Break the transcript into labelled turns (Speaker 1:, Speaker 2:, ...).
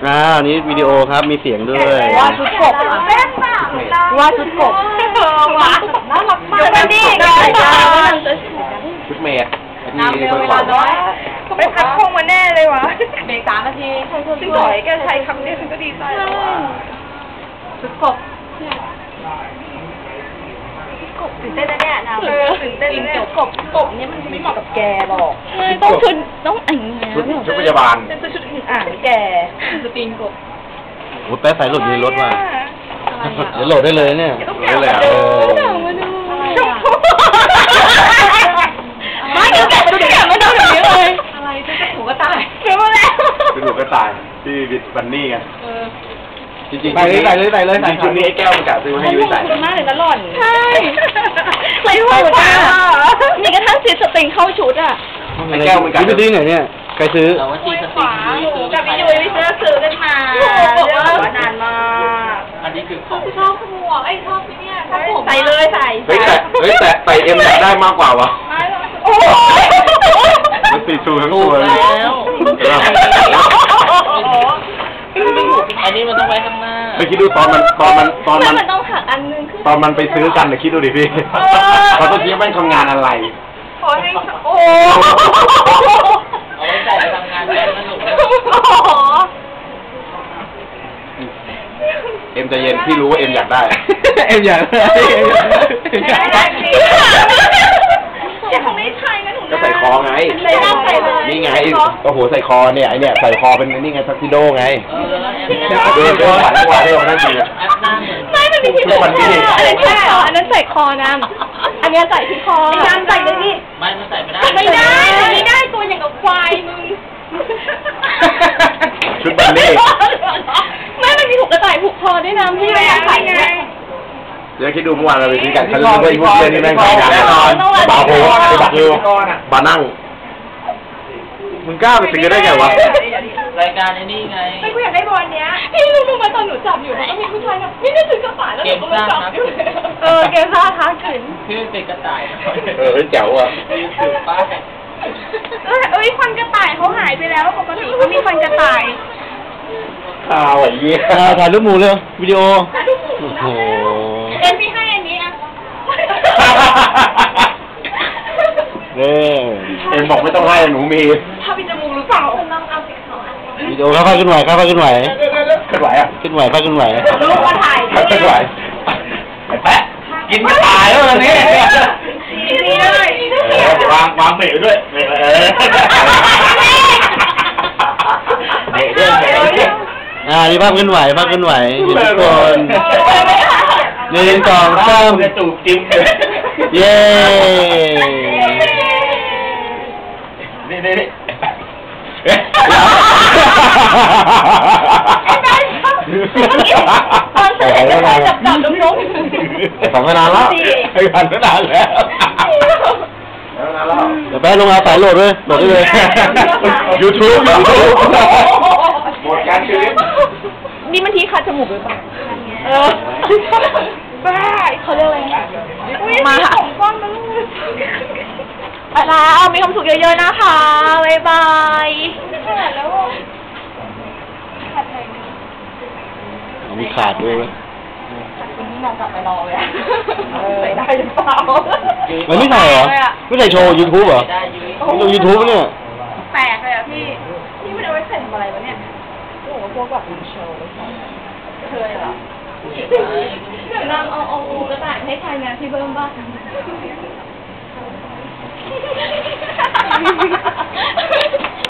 Speaker 1: นี้วิดีโอครับมีเสียงด้วย
Speaker 2: ว่าชุดกบว่าชุดกบว่าน่ารักมากเลยดิ
Speaker 1: ชุดเมด
Speaker 2: น้ำเร็วเวลาน้อยไปพักคงมาแน่เลยวะเบรก3 นาทีซึ่งถอยแกใช้คำนี้ฉันก็ดีใจแล้วชุดกบตื่นเต้นนะเนี่ยน้ำตื่นเต้นเนี่ยกบเนี่ยมันไม่เหมาะกับแกหรอก
Speaker 3: ต้องชุดต้องอ่าง
Speaker 1: ชุดพยาบาล
Speaker 2: เป็นชุดอ่างแกสปริงกบ
Speaker 1: โอ้แป๊ะใส่หลุดในรถมาเดี๋ยวโหลดได้เลยเนี่ย
Speaker 2: ได้เลย
Speaker 3: มาดู
Speaker 2: ไม่เดี๋ยวแกะมาดูอย่างนี้เลยอะไรจะถูกก็ตายเดี๋ยวมาแล้ว
Speaker 1: เป็นถูกก็ตายที่วิทบันนี่ไงจริงๆ
Speaker 4: ใส่เลย
Speaker 1: จริงๆชุดนี้ไอ้แก้วมันกะซื้อมาให้ยุ้ยใส่
Speaker 2: มากเลยนะหล่อน
Speaker 3: ใช่ใส่หัวจ้ามีกระทั่งซีสตริงเข้าชุดอ่ะ
Speaker 1: ไอ้แก้วมันกะ
Speaker 4: ซื้อดิ้งไหนเนี่ยใครซื้อ
Speaker 2: ขวากับพี่ยุ้ยไปซื้อกันมาบอกว่านานมาก
Speaker 5: อันนี้คือของ
Speaker 2: ชอบหมวกชอบที่เนี่ยใส่เลยใส่
Speaker 1: แต่เอ็มอยากได้มากกว่าวะ
Speaker 2: โอ้ย
Speaker 1: มันติดชูทั้งตัวเลย
Speaker 5: อันนี้มันต้องไว้ข้างหน้า
Speaker 1: ไปคิดดูตอนมัน
Speaker 3: ต้องหักอันนึง
Speaker 1: ตอนมันไปซื้อกันคิดดูดิพี่เขาต้องคิดว่ามันทำงานอะไร
Speaker 2: ขอให้โอ้
Speaker 5: เอาไว้ใส่ไปทำงานได้สนุก
Speaker 1: เอ็มใจเย็นพี่รู้ว่าเอ็มอยากได้
Speaker 4: เอ็มอยากได้
Speaker 2: แกคงไม่ใช่นะหนู
Speaker 1: ก็ใส่คอไงนี่ไงโอ้โหใส่คอเนี่ยไอเนี่ยใส่คอเป็นนี่ไงทักซิโดไงเดินผ่านทุกวันเลยวันนั้นจริงอ่ะ
Speaker 3: ไม่มันมีที่ไหนอันนั้นใช่เหรออันนั้นใส่คอนะอันนี้ใส่ที่คอ
Speaker 2: การใส่เลยนี่
Speaker 5: ไม่มันใส่ไม่ได้
Speaker 2: ไม่ได้ตัวอย่างกับควายมึง
Speaker 1: ชุดบัลเล่
Speaker 3: ไม่มันมีถูกกระต่ายผูกคอด้วยนะพี่ไม่อยากใส่ไง
Speaker 1: เดี๋ยวคิดดูเมื่อวานเราไปซื้อกันเขาจะรู้ว่ายุคเล่นนี่แม่งทำงานแน่นอนบาโฮไปบักเร็วบานั่งมึงกล้าไปซื้อได้ไงวะ
Speaker 5: รายการไอ้นี่ไง
Speaker 2: ไม่กูอยากได้บอลเนี้ย
Speaker 3: พี่รู้ไหมตอนหนูจับอยู่มันก็มีผู้ชายแบบไม่ได้ถือกระต่ายแล้วหนูก็จับอยู่เกมซ่าท้าขืน
Speaker 5: คือเป็นกระต่าย
Speaker 1: แจ๋วอ่ะ
Speaker 5: ถือป้าย
Speaker 2: ฟันกระต่ายเขาหายไปแล้วปกติเขามีฟันกระต่าย
Speaker 1: ข่าวไอ้เหี้ย
Speaker 4: ถ่ายรูปหมูเลยวิดีโอ
Speaker 1: โอ้โห
Speaker 2: เอ็มพี่ให้อันนี้อ่ะ
Speaker 1: เอ็มบอกไม่ต้องให้หนูมี
Speaker 2: ถ้ามีจมูกหรือเปล่าต้องเอาสิเขา
Speaker 4: วิดีโอค่อยๆขึ้นไหว
Speaker 1: ขึ้นไหวอ่ะ
Speaker 4: ขึ้นไหว
Speaker 2: ลูกมาถ่าย
Speaker 1: ขึ้นไหวแปะกินกระต่ายแล้ววันนี้
Speaker 2: นี่เลยว
Speaker 1: างเบรกด้วย
Speaker 4: นี่ภาพขึ้นไหวอยู่ทุกคน1 2 3
Speaker 1: จะจูบจิ้ม
Speaker 4: เย้
Speaker 1: นี่
Speaker 3: ใส่แล้วจับนก
Speaker 1: ฝังมานานแล้วฝังมานานแล้ว
Speaker 4: เดี๋ยวแป๊บลงเอาสายโหลดได้เลย
Speaker 1: YouTube หมดการชีวิต
Speaker 3: นี่มันทีคัดจมูกหรือเปล่า
Speaker 2: บ้า
Speaker 3: เขาเรียกอะไร
Speaker 2: มาของก้อนมัน
Speaker 3: แล้วมีความสุขเยอะๆนะคะบ๊ายบาย
Speaker 4: มีขาดด้วย
Speaker 2: วันนี้นอนกลับไปรอเลยใส่ได้หรือเปล่า
Speaker 4: มันไม่ใส่เหรอไม่ใส่โชว์ YouTube เหรอดู YouTube เนี่ย
Speaker 2: แปลกเลยอ่ะพี่มันเอาไว้ใส่อะไรวะเนี่ยโอ้โหพวกแบบโชว์เคยเหรอ
Speaker 3: เดี๋ยวนางเอากระต่ายให้ใครนะพี่เบิ้มบ้าง